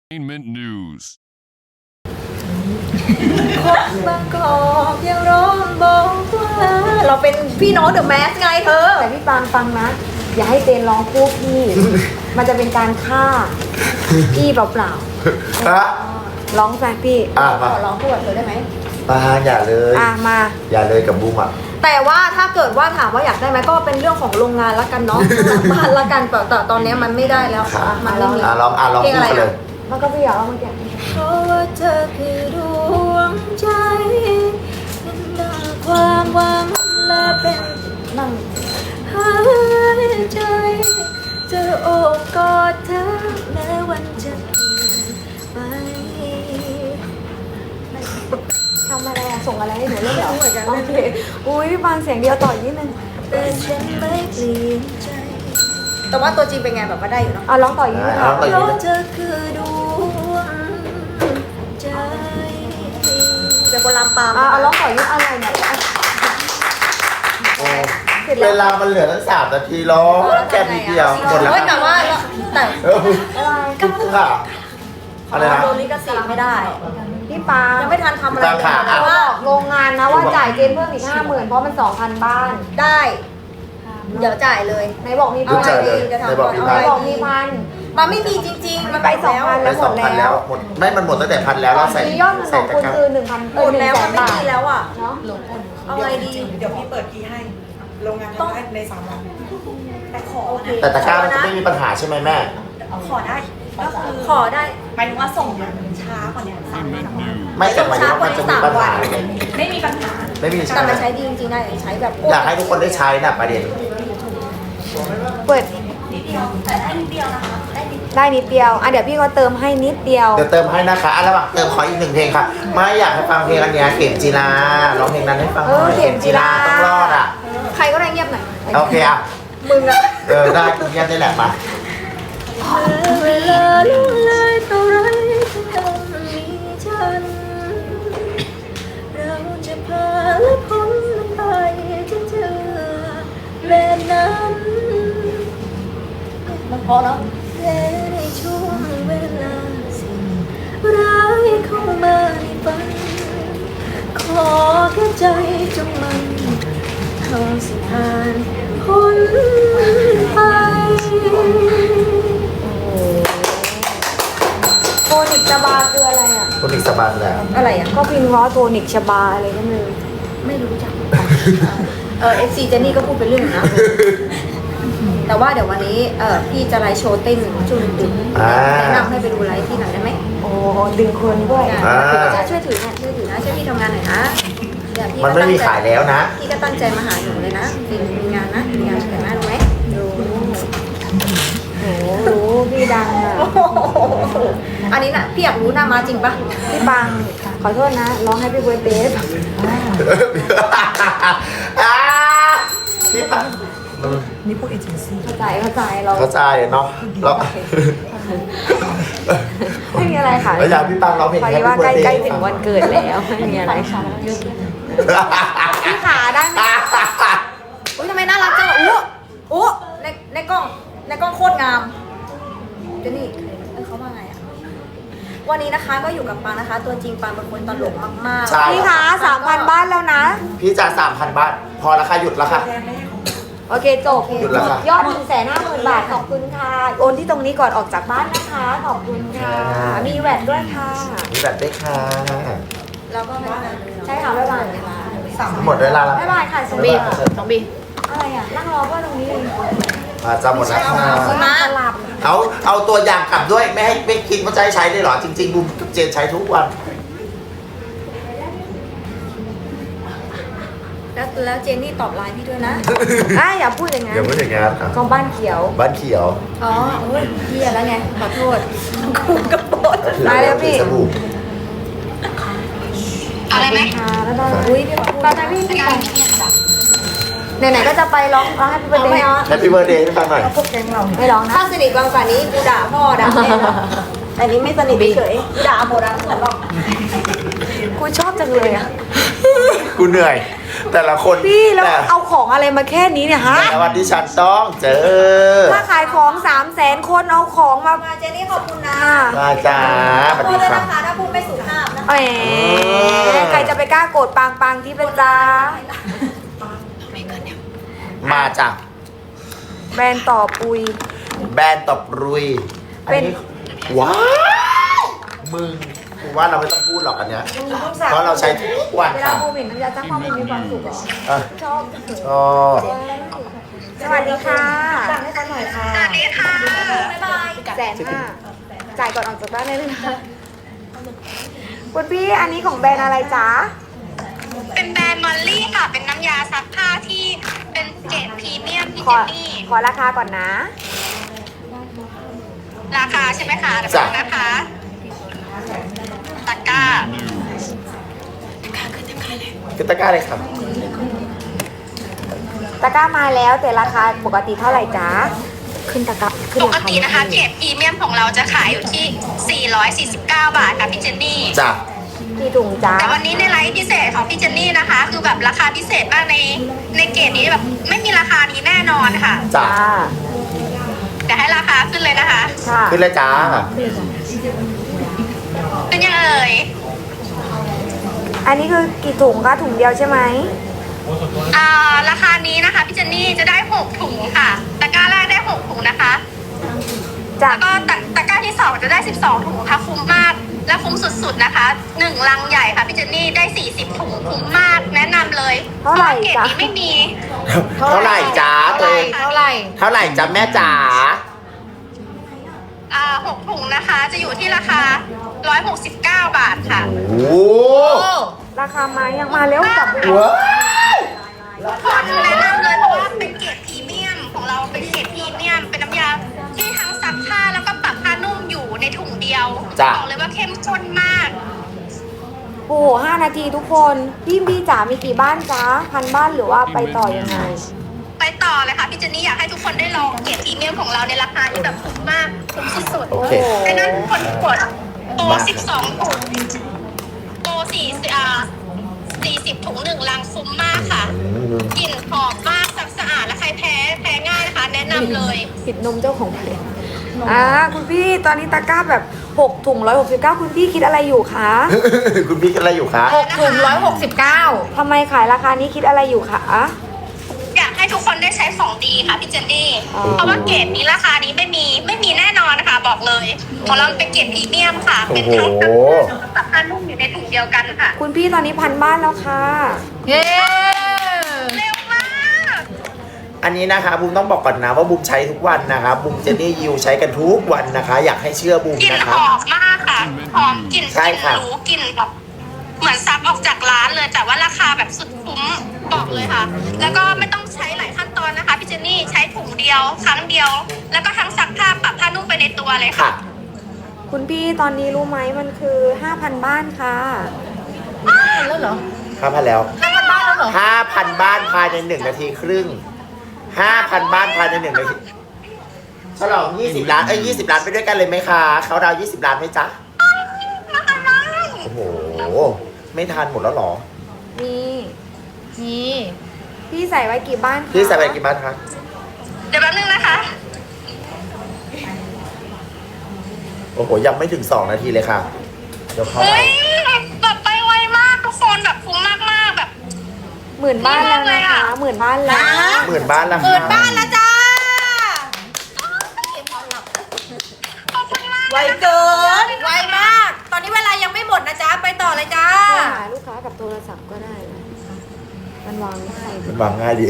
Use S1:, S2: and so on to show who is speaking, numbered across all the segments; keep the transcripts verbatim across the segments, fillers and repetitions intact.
S1: Entertainment News
S2: บางกอกยังร้องบอกว่าเราเป็นพี่น้องเดอะแมสไงเธอ
S3: แต่พี่ปางฟังนะ อย่าให้เจนร้องคู่พี่ มันจะเป็นการฆ่าพี่เปล่า
S4: ฮะ
S3: ๆร้องแฟนพี่
S4: อ่ะ
S2: ข
S4: มา
S2: อร้องคู่กับเธอได้ไหม
S4: ปางอย่าเลย
S3: อ่ะมา
S4: อย่าเลยกับบูมอ่ะ
S2: แต่ว่าถ้าเกิดว่าถามว่าอยากได้ไหมก็เป็นเรื่องของโรงงานละกันเนาะ บ้านละกันแต่แต่ตอนนี้มันไม่ได้แล้ว
S4: ค่ะ
S2: มันไม่มี
S4: อ่ะลองอ่ะลอง
S2: เพลง
S4: พู
S2: อะ
S4: ด
S2: ไร
S4: ไปเล
S2: อ่ะ
S4: ย
S3: มันก็พี่อยากร้องเมื่อกี้
S2: เพราะว่าเธอคือดวงใจเป็นดังความหวังและเป็นนั่งหายใจจะโอบกอดเธอแม้วันจะเปลี่ยนไป
S3: ทำอะไรอะส่งอะไรให้หนูเล่นเหรอ
S2: ไม่รู้เหมือนกัน
S3: โอเคอุ้ยพี่ปางเสียงเดียวต่ออีกนิดนึง
S2: แต่ฉันไม่เปลี่ยนใจ แต่ว่าตัวจริงเป็นไงแบบว่าได้อยู่เนาะ
S3: อ่ะร้องต่ออีกนิดนึง
S4: อ่ะร้
S3: ค่ะ
S4: องต่อ
S2: เพราะเธอคือดวงใจเดี๋ยวคนลำปาม
S3: อ่ะเอาร้องต่ออีกนิดอะไรเนี่ยอ่ะ
S4: โอ้เวลามันเหลือตั้งสามนาทีร้องแค่นิดเดียวหมดแล้ว
S2: เฮ้ยแต่ว่าแต่
S4: เออ
S3: อะไร
S4: ค่ะอะไรนะ
S2: โดนลิขสิทธิ์ไม่ได้
S3: พี่ปาง
S2: ยังไม่ทันทำอะไร
S4: ตั้งขา
S2: แต่ว่า
S3: บอกโรงงานนะว่าจ่ายเจนเพิ่มอีกห้าหมื่นเพราะมันสองพันบ้าน
S2: ได้ เดี๋ยวจ่ายเลย
S3: ไหนบอกมี
S4: รู้
S3: พัน
S4: ใจเลย
S2: จะทำ
S4: ในบอกพี่
S3: ไหน
S4: พัน
S3: บอกมีพัน
S2: มันไม่มีจริงๆ มันไป
S3: ไปสองพัน
S4: ไปสองพันแล้วหมดไม่มันหมดตั้งแต่พันแล้ว
S3: ตอ
S4: เรา
S3: น
S4: ใส่
S3: นี้ยอดเงินข
S4: ใส่
S3: อง
S4: ตะ
S3: คุณ
S4: กร้า
S3: คือหนึ่งพัน
S2: หมดแล้วมันไม่มีแล้วอ่ะ
S3: เนาะ
S2: เอาไงดี
S5: เดี๋ยวพี่เปิดคีย์ให้ โรงงานทำได้ในสามวัน แต่ขอ
S2: โอเค
S5: นะ
S4: แต่ตะกร้ามันจะไม่มีปัญหาใช่ไหมแม่
S5: ขอได้ ก็คือ
S2: ขอได้
S5: หมายถึงว่าส่งมันช้ากว่านี้สามวันสามวัน
S4: ไม่แต่หมายถึงว่ามันจะมีปัญหาอะไรไหม
S5: ไม่มีปัญหา
S4: ไม่มี
S2: แต่
S4: ใช่ไหม
S2: มันใช้ดีจริงๆนะใช้แบบ
S4: อยากให้ทุกคนได้ใช้น่ะประเด็น
S3: เปิด
S5: นิดเดียว แต่ได้นิดเดียวนะคะ ได้นิด
S3: ได้นิดเดียวอ่ะเดี๋ยวพี่ก็เติมให้นิดเดียว
S4: เดี๋ยวเติมให้นะคะอ่ะระหว่างเติมขออีกหนึ่งเพลงค่ะ ไม่อยากให้ฟังเพลงอันเนี้ยเข็มจีราร้องเพลงนั้นให้ฟังหน่อย
S3: เออเข็มจีรา
S4: ต้องรอดอ่ะ
S2: ใครก็ได้เงียบหน่อย
S4: โอเคอ่ะ
S2: มึงอะ
S4: เออได้คุณเงียบได้แหละมา
S2: เวลาล่วงเลยเท่าไรที่ยังมีฉัน เราจะพาและพ้นไปจนเจอแบบนั้นมันพอแล้วและในช่วงเวลาสิ่งร้ายเข้ามาในฝัน ขอแค่ใจจงมันเท่าสิผ่านพ้นไป
S3: โทนิกชบาคืออะไรอ่ะ
S4: คุณอีกสบายแล้ว
S2: อะไรอ่ะ
S3: ก็พิมพ์ว่าโทนิกชบาอะไรก็ไม่รู้
S2: ไม่รู้จัก เออเอฟซีเจนนี่ก็พูดไปเรื่องนะ แต่ว่าเดี๋ยววันนี้เออพี่จะไลฟ์โชว์เต้นช่วงดึกๆ
S4: อ่า
S2: แนะนำให้ไปดูไลฟ์ที่ไหนอยได้ไหม
S3: โอ้ดึงคนด้วย
S4: อ่า
S2: จะช่วยถือนะช่วยถือนะช่วยพี่ทำงานหน่อยนะเดี๋ยวพี่
S4: มัน
S2: ก็
S4: ไม่มี
S2: ตั้งใจ
S4: ขายแล้วนะ
S2: พี่ก็ตั้งใจมาหาหนูเลยนะมีมีงานนะมีงานแต่งหน้าดูไหมดู
S3: โอ้รู้พี่ดังอ่ะ
S2: อันนี้น่ะพี่อยากรู้หน้ามาจริงปะ
S3: พี่ปังขอโทษนะร้องให้พี่เบิร์ดเดย์
S4: อ่าพี่ปัง
S5: นี่พวกเอเจนซี่
S3: เข้าใจเข้าใจเรา
S4: เข้าใจเนาะเรา
S3: ไม่มีอะไรค่ะ
S4: แล้วอยากพี่ปังร้องเพลง
S3: พอ
S4: แฮ
S3: ดี
S4: ป
S3: ว่า
S4: ปี้
S3: ใก
S4: เบิร์ดเด
S3: ล้
S4: ย์
S3: ๆถึงวันเกิดแล้วไม่มีอะไรค่ะพี่ขาได้ไหม
S2: อุ้ยทำไมน่ารักจังอ่ะอู้อู้ในในกล้องในกล้องโคตรงามเจนนี่เออเขาว่าไงอ่ะวันนี้นะคะก็อยู่กับปางนะคะ ตัวจริงปางเป็นคนตลกมากๆ
S4: ใช่
S3: พี่ขาสามพันบ้านแล้วนะ
S4: พี่จ่ายสามพันบาท พอแล้วค่ะหยุดแล้วค่ะ
S3: โอเคจบ
S4: หยุดแล้วค่ะ
S3: ยอดหนึ่งแสนห้าหมื่นบาทขอบคุณค่ะ โอนที่ตรงนี้ก่อนออกจากบ้านนะคะ ขอบคุณค่ะ มีแหวนด้วยค่ะ
S4: มีแบบได้ค่ะ
S2: แล้วก็ไม่ได้เลย
S3: ใช่ค่ะบ๊ายบาย
S4: หมดเวลาแล้ว
S3: บ๊ายบายค่ะส
S4: น้
S3: วั
S4: อง
S3: ส
S4: บี
S3: ดี
S4: น้องบี
S3: อะไรอ่ะ นั่งรอเพื่อนตรงนี้เอง
S4: อ่าจะหมดแล้วค่ะ
S2: คุณมา
S3: สลับ
S4: เอาเอาตัวอย่างกลับด้วยไม่ให้ไม่คิดว่าจะให้ใช้ได้หรอ จริงๆบูมกับเจนใช้ทุกวัน
S2: แล้วแล้วเจนนี่ตอบไลน์พี่ด้วยนะ
S3: อ่ะอย่าพูดอย่างนั้น
S4: อย่าพูดอย่างนั้นอ่ะ
S3: ก็บ้านเขียว
S4: บ้านเขียว
S2: อ๋อโอ้ยเฮียแล้วไง ขอโทษกูกระโปด
S3: ได้แล้วพี่
S4: สบู่
S3: อะไรไหมค่ะแล้วก็
S2: อุ้ยพี่ขอโทษ
S3: ตอนนั้นพี่พี่ไปไหนๆก็จะไปร้องร้องให้พี่เบิร์ดเด
S2: ไม่
S3: ย์
S2: เอา
S4: แฮปปี้เบิร์ดเดย์ให้ฟังหน่อย
S5: พวกแก๊งเรา
S3: ไม่ร้องนะ
S2: ถ้าสนิทกว่านี้กูด่าพ่อด่าแม่นะแต่นี้ไม่สนิทเฉยๆกูด่าโมด่าสวนหรอก
S3: กูชอบจังเลยอ่ะ
S4: กูเหนื่อยแต่ละคน
S3: พี่แล้ว
S4: แต่
S3: เอาของอะไรมาแค่นี้เนี่ยฮะ
S4: แต่วันที่ฉันต้องเจอ
S3: ถ้าขายของสามแสนคนเอาของมา
S2: มาเจนี่ขอบคุณนะ
S3: อ่า
S4: มาจ้าสวัส
S2: พู
S4: ดี
S2: ดเลย
S4: ค่ะ
S2: นะคะถ้าพูดไม่สุภาพนะคะ
S3: แหมใครจะไปกล้าโกรธปางปางที่เป็นจ้า
S4: มาจ้ะ
S3: แบรนด์ต่อปุย
S4: แบรนด์ตบรุยอัน
S3: เป็น
S4: นี้ว้าวมึงกูว่าเราไม่ต้องพูดหรอกอันเนี้ยเพราะเราใช้ทุกวัน
S3: เวลา
S4: ค่ะ
S3: โมเห็นน้ำยาจ้างความมีความสุขเหรอ
S4: อ่ะ
S3: ชอบ
S4: ก็
S3: สวัสดีค่ะ
S5: สั่งให้เขาหน่อยค่ะ
S2: บ๊ายบาย
S3: แสนห้าจ่ายก่อนออกจากบ้านได้เลยนะคะคุณพี่อันนี้ของแบรนด์อะไรจ๊ะ
S1: เป็นแบรนด์มอลลี่ค่ะ เป็นน้ำยาซักผ้าที่เป็นเกรดพรีเมียมพี่
S3: ข
S1: เจ
S3: อน
S1: นี่
S3: ขอราคาก่อนนะ
S1: ราคาใช่ไหมคะเดี๋ยว
S4: จ้ะ
S1: ก่อนนะคะตะกร้า
S4: คือตะกร้าเลยครับ
S3: ตะกร้ามาแล้วแต่ราคาปกติเท่าไหร่จ๊ะ ขึ้นตะกร้าขึ้น
S1: ป
S3: ราก คา
S1: ตินะคะเกรดพรีเมียมของเราจะขายอยู่ที่ สี่ร้อยสี่สิบเก้า บาทค่ะพี่เจนนี่
S4: จ้ะ
S3: กี่ถุงจ๊ะ
S1: แต่วันนี้ในไลฟ์พิเศษของพี่เจนนี่นะคะ คือแบบราคาพิเศษมากในในเกรดนี้แบบไม่มีราคานี้แน่นอนค่ะ
S4: จ้ะ
S3: จ้า
S1: เดี๋ยวให้ราคาขึ้นเลยนะคะ
S3: ค่ะ
S4: ขึ้นเลยจ้า
S1: เป็นยังเอ่ย
S3: อันนี้คือกี่ถุงคะถุงเดียวใช่ไหม
S1: อ่าราคานี้นะคะพี่เจนนี่จะได้หกถุงค่ะตะกร้าแรกได้หกถุงนะคะ
S3: จาก
S1: แล้วก็ตะตะกร้าที่สองจะได้สิบสองถุงค่ะคุ้มมากและคุ้มสุดๆนะคะหนึ่งลังใหญ่ค่ะพี่เจนนี่ได้สี่สิบถุงคุ้มมากแนะนำเลย
S3: เท่าไหร่
S1: พะว่เกรด
S3: จ๊ะ
S1: นี้ไม่มี
S4: เท่าไหร่จ้าตัวเอง
S1: เท่าไหร่
S4: เท่าไหร่จ้าแม่จ๋า
S1: อ่าหกถุงนะคะจะอยู่ที่ราคาร้อยหกสิบเก้าบาทค่ะ
S4: โอ้
S3: ราคามายังมาเร็วกลับ
S4: ว้าว
S1: แนะนำเลยเพราะว่าเป็นเกรดพรีเมียมของเราเป็นเกรดพรีเมียมเป็นน้ำยาที่ทั้งซักผ้าแล้วก็ปรับผ้านุ่มอยู่ในถุงเดียวบอกเลยว่าเข้มข้นมาก
S3: โอ้โหห้านาทีทุกคนพี่พี่จ๋ามีกี่บ้านจ๊ะพันบ้านหรือว่าไปต่อยังไง
S1: ไปต่อเลยค่ะพี่เจนนี่อยากให้ทุกคนได้ลองเกรดพรีเมียมของเราในราคาที่แบบคุ้มมากคุ้มสุด
S4: โอ
S1: ๆ
S4: เค
S1: ไอ้นั่นทุกคนกดโปรสิบสองถุงโปรสี่อ่าสี่สิบถุงหนึ่งลังคุ้มมากค่ะกลิ่นหอมมากซักสะอาดและใครแพ้แพ้ง่ายนะคะ แนะนำเลย
S3: ผิดนมเจ้าของเพลงอ่าคุณพี่ตอนนี้ตะกร้าแบบหกถุงร้อยหกสิบเก้าคุณพี่คิดอะไรอยู่คะ
S4: คุณพี่กันอะไรอยู่คะ
S3: หกถุงร้อยหกสิบเก้าทำไมขายราคานี้คิดอะไรอยู่คะ
S1: อยากให้ทุกคนได้ใช้ของดีค่ะพี่เจนนี่
S3: อ๋อ
S1: เพราะว่าเกรดนี้ราคานี้ไม่มีไม่มีแน่นอนนะคะบอกเลยของเราเป็นเกรดพรีเมียมค่ะ
S4: โอ้
S1: เป็น
S4: โห
S1: ทั้งซักผ้ากับผ้านุ่มอยู่ในถุงเดียวกันค่ะ
S3: คุณพี่ตอนนี้พันบ้านแล้วค่ะ
S2: เย้
S1: เร็วมาก
S4: อันนี้นะคะบูมต้องบอกก่อนนะว่าบูมใช้ทุกวันนะคะบูมเจนนี่ยิวใช้กันทุกวันนะคะ อยากให้เชื่อบูม
S1: กลิ่น
S4: นะ
S1: ห
S4: คะ
S1: อมมากค่ะหอมกลิ่น
S4: ใช่ค่ะ
S1: หรูกลิ่นแบบเหมือนซักออกจากร้านเลย แต่ว่าราคาแบบสุดคุ้มบอกเลยค่ะ แล้วก็ไม่ต้องใช้หลายขั้นตอนนะคะพี่เจนนี่ใช้ถุงเดียวครั้งเดียว แล้วก็ทั้งซักผ้าปรับผ้านุ่มไปในตัวเลยค่ะ
S4: ค่ะ
S3: คุณพี่ตอนนี้รู้ไหมมันคือห้าพันบ้านค่ะ
S2: แล้วเหรอ
S4: ห้าพันแล้ว
S2: ห้าพันบ้านแล้วเหรอ
S4: ห้าพันบ้านภายในหนึ่งนาทีครึ่งห้าพันบ้านภายในหนึ่งนาทีฉลองยี่สิบล้านเอ้ยยี่สิบล้านไปด้วยกันเลยไหมคะเขาดาวยี่สิบล้านไหมจ๊ะโอ้โหไม่ทันหมดแล้วเหรอ
S3: นี่
S2: นี่
S3: พี่ใส่ไว้กี่บ้านคะ
S4: พี่ใส่ไปกี่บ้านคะ
S1: เดี๋ยวแป๊บนึงนะคะ
S4: โอ้โหยังไม่ถึงสองนาทีเลยค่ะเดี๋ยวเข้าไป
S1: เฮ้ยแบบไปไวมากทุกคนแบบคุ้มมากมากๆแบบ
S3: หมื่นบ้านแล้วนะคะ หมื่นบ้านแล้ว
S4: หมื่นบ้านแล้วค่ะ
S2: เปิดบ้านแล้วจ้า
S1: ขอบคุณมาก
S2: ไวเกิน ไวมาก ตอนนี้เวลายังไม่หมดนะจ๊ะ ไปต่อเลยจ้า
S3: โทรหาลูกค้ากับโทรศัพท์ก็ได้นะมันวางง่าย
S4: มันวางง่ายดี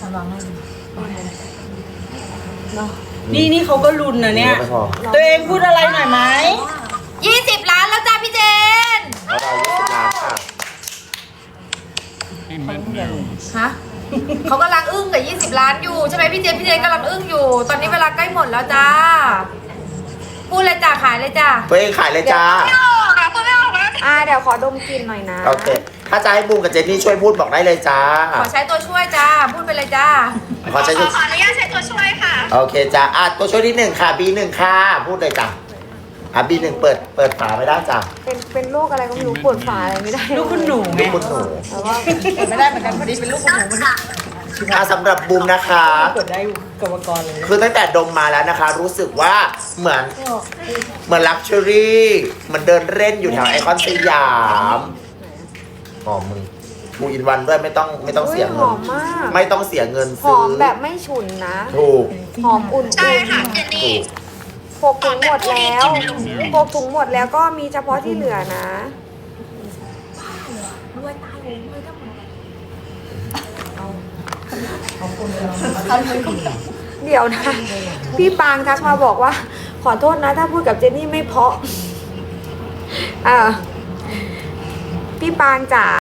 S3: เนาะ
S5: นี่นี่เขาก็รุนนะเนี่ย
S4: ไม่พอ
S5: ตัวเองพูดอะไรหน่อยไหม
S2: ยี่สิบล้านแล้วจ้าพี่เจน
S4: เขาดาวยี่สิบล้านค่ะ
S2: ฮะ เขากำลังอึ้งกับยี่สิบล้านอยู่ใช่ไหมพี่เจน พี่เจนกำลังอึ้งอยู่ ตอนนี้เวลาใกล้หมดแล้วจ้า พูดเลยจ้าขายเลยจ้า
S4: ตัวเองขายเลยจ้า
S1: ไม่ออกอะคุณไม่ออกแล้ว
S3: อ่าเดี๋ยวขอดมกลิ่นหน่อยนะ
S4: โอเค ถ้าจะให้บูมกับเจนนี่ช่วยพูดบอกได้เลยจ้า
S2: ขอใช้ตัวช่วยจ้า พูดไปเลยจ้า
S4: ขอใช้
S1: ข
S4: ชุ
S1: อ
S4: ด
S1: ขออนุญาตใช้ตัวช่วยค่ะ
S4: โอเคจ้าอ่ะตัวช่วยที่หนึ่งค่ะ บีหนึ่งค่ะ พูดเลยจ้าอ่ะบีหนึ่งเปิดเปิดฝาไม่ได้จ้ะ
S3: เป็นเป็นโรคอะไรก็ไม่รู้ปวดฝาอะไรไม่ได้
S5: ลูกคุณหนูไง
S4: ลูกคุณหนู
S3: แต่ว่า
S5: เปิดไม่ได้เหมือนกันพอดีเป็นลูกคุณหนูมัน
S4: อ่ะสำหรับบูมนะคะ
S5: เปิดได้กรรมกรเลย
S4: คือตั้งแต่ดมมาแล้วนะคะ รู้สึกว่าเหมือนเหมือนลักชัวรี่เหมือนเดินเล่นอยู่แถวไอคอนสยามหอมมึงบูอินวันด้วยไม่ต้องไม่ต้องเสีย
S3: ห
S4: เงิ
S3: อน มมาก
S4: ไม่ต้องเสียเงิน
S3: ห
S4: ซื้
S3: อมแบบไม่ฉุนนะ
S4: ถูก
S3: หอมอุ่น
S1: ใช่ค่ะเจน
S4: ถู
S1: นี่
S4: ก
S3: ๆหกถุงหมดแล้วหกถุงหมดแล้วก็มีเฉพาะที่เหลือนะ เดี๋ยวนะ พี่ปางทักมาบอกว่า ขอโทษนะ ถ้าพูดกับเจนนี่ไม่เพราะอ่าพี่ปางจ๋า